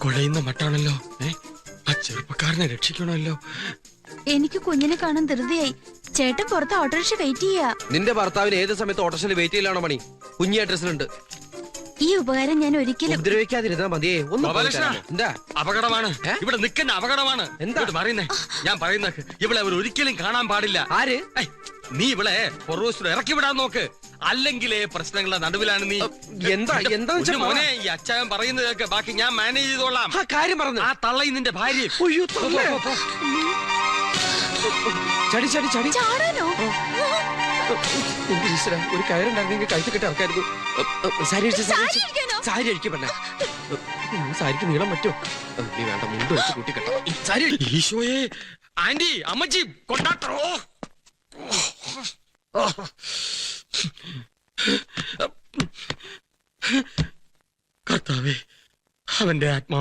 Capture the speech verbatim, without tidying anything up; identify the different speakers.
Speaker 1: കുഴയുന്ന മട്ടാണല്ലോ. ഏ ആ ചെറുപ്പക്കാരനെ രക്ഷിക്കണമല്ലോ.
Speaker 2: എനിക്ക് കുഞ്ഞിനെ കാണാൻ ധൃതിയായി. ചേട്ടൻ പുറത്ത് ഓട്ടോറിക്ഷ വെയിറ്റ് ചെയ്യാ.
Speaker 3: നിന്റെ ഭർത്താവിന് ഏത് സമയത്ത് ഓട്ടോറിക്ഷയിൽ വെയിറ്റ് ചെയ്യലാണോ മണി? കുഞ്ഞി അഡ്രസ്സിലുണ്ട്.
Speaker 2: ഈ ഉപകാരം ഞാൻ ഒരിക്കലും
Speaker 3: ഉപദ്രവിക്കാതിരുന്നാ മതിയേ. ഒന്ന് എന്താ
Speaker 1: അപകടമാണ് ഇവിടെ നിൽക്കുന്ന അപകടമാണ്. എന്താ പറയുന്നേ? ഞാൻ പറയുന്ന ഇവിടെ അവർ ഒരിക്കലും കാണാൻ പാടില്ല.
Speaker 3: ആര്?
Speaker 1: നീ ഇവിടെ പൊറോസിൽ ഇറക്കി വിടാൻ നോക്ക്. അല്ലെങ്കിലേ പ്രശ്നങ്ങളുടെ നടുവിലാണ് നീ.
Speaker 3: എന്താ എന്താ
Speaker 1: മോനെ ഈ അച്ചായൻ പറയുന്നത് കേൾക്ക്. ബാക്കി ഞാൻ മാനേജ് ചെയ്തോളാം.
Speaker 3: കാര്യം പറഞ്ഞു.
Speaker 1: ആ തള്ളയും നിന്റെ ഭാര്യ.
Speaker 3: ചടി ചടി ചടി
Speaker 2: ചാടാനോ?
Speaker 3: ഒരു കയറുണ്ടായിരുന്നെങ്കിൽ കഴുത്ത് കെട്ടി ഇറക്കായിരുന്നു. സാരി സാരി അഴിക്ക് പെണ്ണെ. സാരിക്ക് നീളം പറ്റോ? നീ വേണ്ട, മുണ്ട് വെച്ച് കൂട്ടി കെട്ടോ. സാരി
Speaker 1: ഈശോയെ, ആന്റി, അമ്മച്ചി, കൊണ്ടാട്ടോ. കർത്താവേ, അവന്റെ ആത്മാ